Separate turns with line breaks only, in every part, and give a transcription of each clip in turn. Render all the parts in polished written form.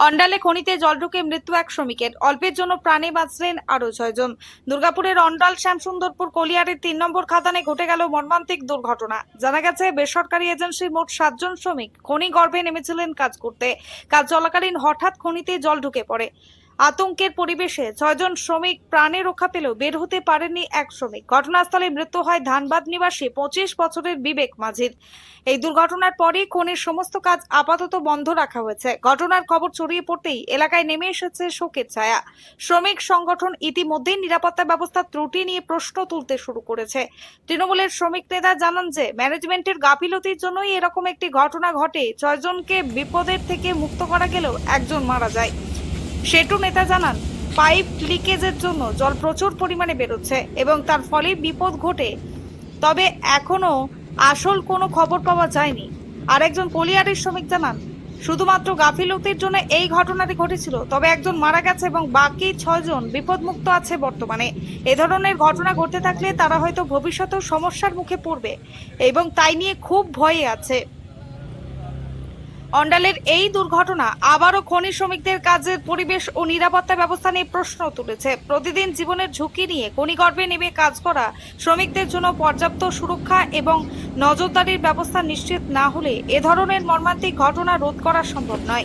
অন্ডালে খনিতে জল ঢুকে মৃত্যু এক শ্রমিকের, অল্পের জন্য প্রাণে বাঁচলেন আরো 6 জন। দুর্গাপুরের অন্ডাল শ্যামসুন্দরপুর কলিয়ারের 3 নম্বর খাদানে ঘটে গেল মর্মান্তিক দুর্ঘটনা। জানা গেছে, বেসরকারি এজেন্সির মোট 7 জন শ্রমিক খনি গর্ভে নেমেছিলেন কাজ করতে। কাজ চলাকালীন হঠাৎ খনিতে জল ঢুকে পড়ে। আতঙ্কের পরিবেশে 6 জন শ্রমিক প্রাণে রক্ষা পেলেও বের হতে পারেননি এক শ্রমিক। ঘটনাস্থলে মৃত্যু হয় ধানবাদ নিবাসী 25 বছরের বিবেক মাঝির। এই দুর্ঘটনার পরই খনির সমস্ত কাজ আপাতত বন্ধ রাখা হয়েছে। ঘটনার খবর ছড়িয়ে পড়তেই এলাকায় নেমে এসেছে শোকের ছায়া। শ্রমিক সংগঠন ইতিমধ্যেই নিরাপত্তা ব্যবস্থার ত্রুটি নিয়ে প্রশ্ন তুলতে শুরু করেছে। তৃণমূলের শ্রমিক নেতা জানান যে ম্যানেজমেন্টের গাফিলতির জন্যই এরকম একটি ঘটনা ঘটে। 6 জনকে বিপদের থেকে মুক্ত করা গেলেও একজন মারা যায়। সেটু নেতা জানান, পাইপ লিকেজের জন্য জল প্রচুর পরিমাণে বেরোচ্ছে এবং তার ফলে বিপদ ঘটে। তবে এখনো আসল কোনো খবর পাওয়া যায়নি। আর একজন কলিয়ারের শ্রমিক জানান, শুধুমাত্র গাফিলতির জন্য এই ঘটনাটি ঘটেছিল, তবে একজন মারা গেছে এবং বাকি 6 জন বিপদমুক্ত আছে বর্তমানে। এ ধরনের ঘটনা ঘটতে থাকলে তারা হয়তো ভবিষ্যতেও সমস্যার মুখে পড়বে এবং তাই নিয়ে খুব ভয়ে আছে। অন্ডালের এই দুর্ঘটনা আবারও খনি শ্রমিকদের কাজের পরিবেশ ও নিরাপত্তা ব্যবস্থা নিয়ে প্রশ্ন তুলেছে। প্রতিদিন জীবনের ঝুঁকি নিয়ে খনিগর্ভে নেমে কাজ করা শ্রমিকদের জন্য পর্যাপ্ত সুরক্ষা এবং নজরদারির ব্যবস্থা নিশ্চিত না হলে এ ধরনের মর্মান্তিক ঘটনা রোধ করা সম্ভব নয়।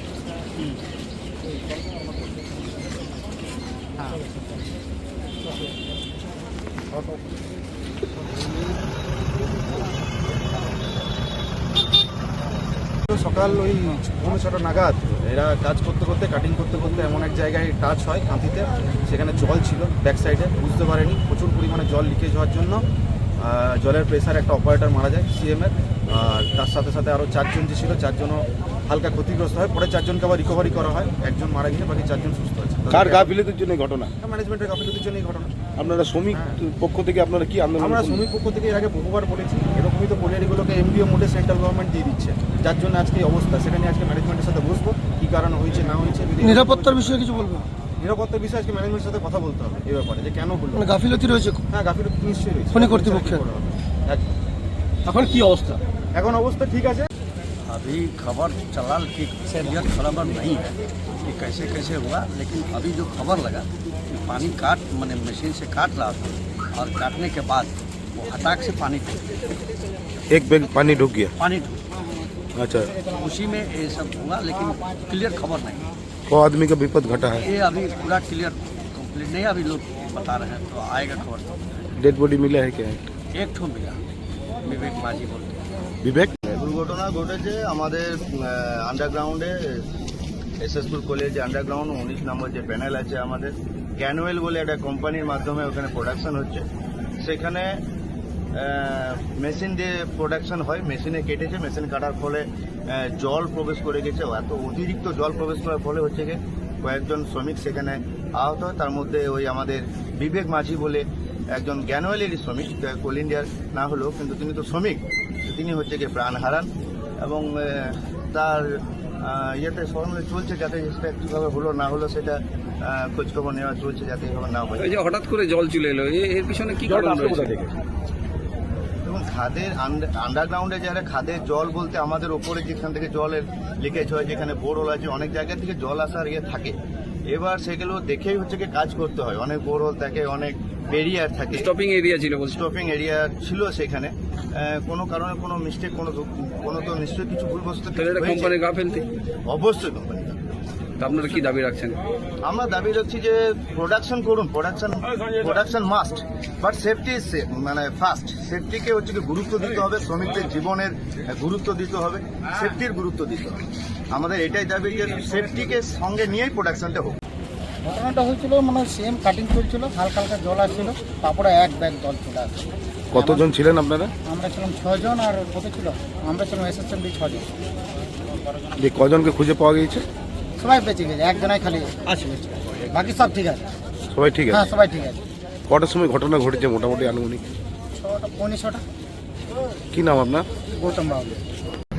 সকাল ওই 6:30 নাগাদ এরা কাজ করতে করতে কাটিং করতে করতে এমন এক জায়গায় টাচ হয় কাঁথিতে, সেখানে জল ছিল ব্যাক সাইডে, বুঝতে পারেনি। প্রচুর পরিমাণে জল লিকেজ হওয়ার জন্য জলের প্রেসার একটা অপারেটর মারা যায় সিএমের, আর তার সাথে সাথে আরও 4 জন যে ছিল 4 জনও হালকা ক্ষতিগ্রস্ত হয়। পরে 4 জনকে আবার রিকভারি করা হয়, একজন মারা গিয়ে বাকি 4 জন সুস্থ আছে।
কার গাফিলতির জন্য ঘটনা?
ম্যানেজমেন্টের গাফিলতির জন্য এই ঘটনা।
আপনারা শ্রমিক পক্ষ থেকে আপনারা কি আন্দোলন?
আমরা শ্রমিক পক্ষ থেকে এর আগে বহুবার বলেছি, এরকমই তো কলিয়ারিগুলোকে এমডিও মোডে সেন্ট্রাল গভর্নমেন্ট দিয়ে দিচ্ছে, যার জন্য আজকে এই অবস্থা। সেখানে আজকে ম্যানেজমেন্টের সাথে বসবো, কী কারণে হয়েছে না হয়েছে।
নিরাপত্তার বিষয়ে কিছু বলবো?
নিরাপত্তার বিষয়ে আজকে ম্যানেজমেন্টের সাথে কথা বলতে হবে এই ব্যাপারে, যে কেন হলো।
মানে গাফিলতি রয়েছে?
হ্যাঁ, গাফিলতি নিশ্চয়ই রয়েছে
খনি কর্তৃপক্ষের।
এখন কি অবস্থা? এখন অবস্থা ঠিক আছে।
अभी खबर चला कि क्लियर खबर नहीं है कि कैसे कैसे हुआ, लेकिन अभी जो खबर लगा कि पानी मैंने मशीन से काट रहा था और काटने के बाद वो हटाक से पानी ढूक
एक बैग पानी ढुक गया।
पानी ढूक
अच्छा,
उसी में ये सब हुआ, लेकिन क्लियर खबर नहीं।
वो आदमी का विपद घटा है?
ये अभी पूरा क्लियर कंप्लीट नहीं, अभी लोग बता रहे हैं, तो आएगा खबर।
डेड बॉडी मिला है क्या?
एक ठो मिला, विवेक माझी बोलते हैं।
विवेक?
দুর্ঘটনা ঘটেছে আমাদের আন্ডারগ্রাউন্ডে, এসএসপুর কলেজ যে আন্ডারগ্রাউন্ড 19 নম্বর যে প্যানেল আছে আমাদের, ক্যানুয়েল বলে একটা কোম্পানির মাধ্যমে ওখানে প্রোডাকশন হচ্ছে। সেখানে মেশিন দিয়ে প্রোডাকশন হয়, মেশিনে কেটেছে, মেশিন কাটার ফলে জল প্রবেশ করে গেছে। এত অতিরিক্ত জল প্রবেশ করার ফলে হচ্ছে গিয়ে কয়েকজন শ্রমিক সেখানে আহত হয়। তার মধ্যে ওই আমাদের বিবেক মাঝি বলে একজন জ্ঞানওয়ালেরই শ্রমিক, কোল ইন্ডিয়ার না হলেও কিন্তু তিনি তো শ্রমিক, তিনি হচ্ছে গিয়ে প্রাণ হারান। এবং তার ইয়েতে সরমে চলছে, যাতে সেটা কীভাবে হলো না হলো সেটা খোঁজখবর নেওয়া চলছে, যাতে এভাবে না হয়।
এই যে হঠাৎ করে জল চলে এলো, এর পিছনে কি কারণ রয়েছে?
এবং খাদের আন্ডারগ্রাউন্ডে যারা খাদের জল বলতে আমাদের ওপরে যেখান থেকে জলের লিকেজ হয়, যেখানে বোরওয়েল আছে, অনেক জায়গা থেকে জল আসার ইয়ে থাকে। এবার সেগুলো দেখেই হচ্ছে কি কাজ করতে হয়। অনেক বোরওয়েল থাকে, অনেক ব্যারিয়ার থাকে,
স্টপিং এরিয়া ছিল,
স্টপিং এরিয়া ছিল সেখানে। কোনো কারণে কোনো মিস্টেক, কোনো তো নিশ্চয়ই কিছু ভুলবশত
কোম্পানির গাফিলতি।
অবশ্যই কোম্পানি।
আপনারা কি দাবি রাখছেন?
আমরা দাবি রাখছি যে প্রোডাকশন করুন, প্রোডাকশন মাস্ট, বাট সেফটি মানে ফার্স্ট। সেফটিকে হচ্ছে কি গুরুত্ব দিতে হবে, শ্রমিকদের জীবনের গুরুত্ব দিতে হবে, সেফটির গুরুত্ব দিতে হবে। আমাদের এটাই দাবি যে সেফটিকে সঙ্গে নিয়েই প্রোডাকশনটা হোক।
ঘটনাটা হয়েছিল মানে সেম কাটিং চলছিল, হালকা হালকা জল আসছিল, তারপরে এক ব্যাগ জল চলে আসছে।
কতজন ছিলেন আপনারা?
আমরা ছিলাম 6 জন, আর কত ছিল? আমরা ছিলাম এসএসএমবি 6 জন।
যে কজনকে খুঁজে পাওয়া গিয়েছে?
সবাই বেঁচে গেছে, একজনাই খালি আছে, বাকি সব ঠিক আছে।
সবাই ঠিক আছে?
হ্যাঁ, সবাই ঠিক আছে।
কটার সময় ঘটনা ঘটেছে মোটামুটি আনুমানিক?
6টা 15টা।
কি নাম আপনার?
গৌতম বাবু।